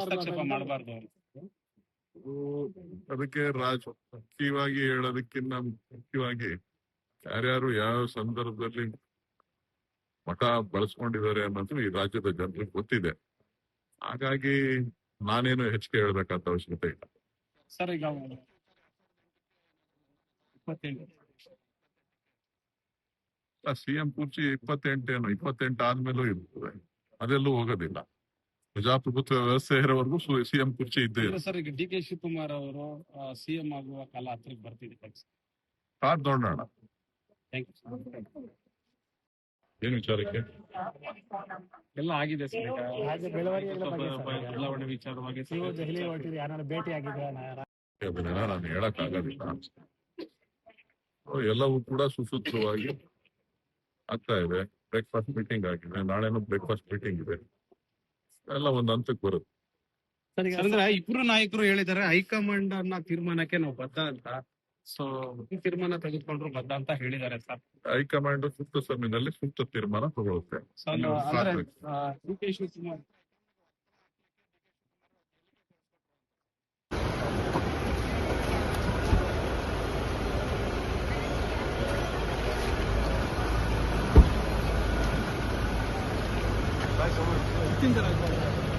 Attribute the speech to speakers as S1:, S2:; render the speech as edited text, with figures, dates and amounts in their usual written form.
S1: ಹಸ್ತಕ್ಷೇಪ ಮಾಡಬಾರ್ದು.
S2: ಅದಕ್ಕೆ ರಾಜಕೀಯವಾಗಿ ಹೇಳೋದಕ್ಕಿಂತ ಮುಖ್ಯವಾಗಿ ಯಾರ್ಯಾರು ಯಾವ ಸಂದರ್ಭದಲ್ಲಿ ಮಠ ಬಳಸ್ಕೊಂಡಿದ್ದಾರೆ ಅನ್ನೋದು ಈ ರಾಜ್ಯದ ಜನರಿಗೆ ಗೊತ್ತಿದೆ. ಹಾಗಾಗಿ ನಾನೇನು ಹೆಚ್ಚಿಗೆ ಹೇಳ್ಬೇಕಂತ ಅವಶ್ಯಕತೆ ಇಲ್ಲ.
S1: ಸರ್ ಈಗ 28
S2: ಸಿಎಂ ಕುರ್ಚಿ 28 ಆದ್ಮೇಲೂ ಇರ್ತದೆ, ಅದೆಲ್ಲೂ ಹೋಗೋದಿಲ್ಲ. ಪ್ರಜಾಪ್ರಭುತ್ವ ವ್ಯವಸ್ಥೆ ಇರೋವರೆಗೂ ಸಿಎಂ ಕುರ್ಚಿ ಇದ್ದೇ ಇದೆ.
S1: ಸರ್ ಈಗ ಡಿ.ಕೆ. ಶಿವಕುಮಾರ್ ಅವರು ಸಿಎಂ ಆಗುವ ಕಾಲ ಹತ್ರಕ್ಕೆ ಬರ್ತಿದೆ.
S2: ಕಾದ್ ನೋಡೋಣ. ಏನ್ ವಿಚಾರಕ್ಕೆ
S1: ಎಲ್ಲ ಆಗಿದೆ ಸರ್. ಬದಲಾವಣೆ ವಿಚಾರವಾಗಿ
S2: ನಾನು ಹೇಳಕ್ ಆಗೋದಿಲ್ಲ. ಎಲ್ಲವೂ ಕೂಡ ಸುಸೂತ್ರವಾಗಿ ಆಗ್ತಾ ಇದೆ. ಬ್ರೇಕ್ಫಾಸ್ಟ್ ಮೀಟಿಂಗ್ ಆಗಿದೆ, ನಾಳೆನೂ ಬ್ರೇಕ್ಫಾಸ್ಟ್ ಮೀಟಿಂಗ್ ಇದೆ. ಎಲ್ಲ ಒಂದ್ ಹಂತಕ್ಕೆ ಬರುತ್ತೆ.
S1: ಅಂದ್ರೆ ಇಬ್ರು ನಾಯಕರು ಹೇಳಿದ್ದಾರೆ ಹೈಕಮಾಂಡ್ ಅನ್ನ ತೀರ್ಮಾನಕ್ಕೆ ನಾವು ಬದ್ಧ ಅಂತ. ಸೊ ತೀರ್ಮಾನ ತೆಗೆದುಕೊಂಡ್ರು ಬದ್ಧ ಅಂತ ಹೇಳಿದ್ದಾರೆ ಸರ್.
S2: ಹೈಕಮಾಂಡ್ ಸೂಕ್ತ ಸಮಯದಲ್ಲಿ ಸೂಕ್ತ ತೀರ್ಮಾನ ತಗೊಳುತ್ತೆ. ಡಿ.ಕೆ.
S1: ಶಿವಕುಮಾರ್
S3: Vai,